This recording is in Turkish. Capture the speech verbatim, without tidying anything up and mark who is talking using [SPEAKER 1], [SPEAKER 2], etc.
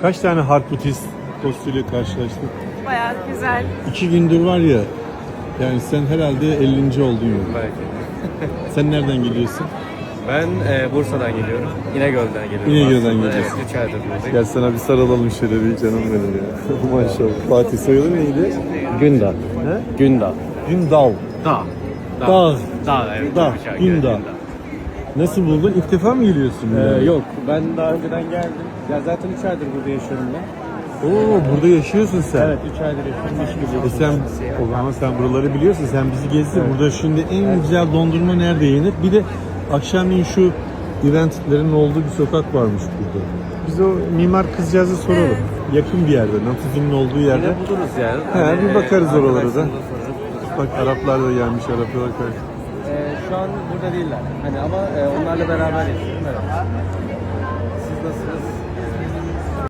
[SPEAKER 1] Kaç tane Harputist dostuyla karşılaştık?
[SPEAKER 2] Bayağı güzel.
[SPEAKER 1] İki gündür var ya, yani sen herhalde ellinci oldun ya.
[SPEAKER 3] Belki.
[SPEAKER 1] Sen nereden geliyorsun?
[SPEAKER 3] Ben e, Bursa'dan geliyorum. İnegöl'den geliyorum.
[SPEAKER 1] İnegöl'den
[SPEAKER 3] aslında.
[SPEAKER 1] geliyorsun.
[SPEAKER 3] Evet, üç aydır buradayım.
[SPEAKER 1] Gel sana bir sarılalım şöyle bir canım benim ya. Maşallah. Fatih soyadı neydi?
[SPEAKER 3] Gündağ.
[SPEAKER 1] He?
[SPEAKER 3] Gündağ.
[SPEAKER 1] Gündal.
[SPEAKER 3] Dağ.
[SPEAKER 1] Dağ.
[SPEAKER 3] Dağ, evet.
[SPEAKER 1] Dağ,
[SPEAKER 3] üç ay
[SPEAKER 1] Gündağ.
[SPEAKER 3] geldim.
[SPEAKER 1] Nasıl buldun? İlk defa mı geliyorsun?
[SPEAKER 3] Ee, yok, ben daha önceden geldim. Ya zaten üç aydır burada yaşıyorum ben.
[SPEAKER 1] Oo, burada yaşıyorsun sen.
[SPEAKER 3] Evet, üç aydır yaşıyorum. İş gibi.
[SPEAKER 1] E sen, o zaman sen buraları biliyorsun. Sen bizi gezdir. Burada şimdi en güzel dondurma nerede yenir? Bir de akşamleyin şu eventlerin olduğu bir sokak varmış burada. Biz o mimar kızcağızı soralım. Yakın bir yerde, Natif'in olduğu yerde.
[SPEAKER 3] Yine buluruz yani.
[SPEAKER 1] He, bir bakarız oralara da.
[SPEAKER 3] arkadaşlarımıza sorarız.
[SPEAKER 1] Bak Araplar da gelmiş, Araplar karşı.
[SPEAKER 3] Ee, şu an burada değiller. Hani ama e, onlarla beraber yaşıyorum. Evet. Siz nasılsınız?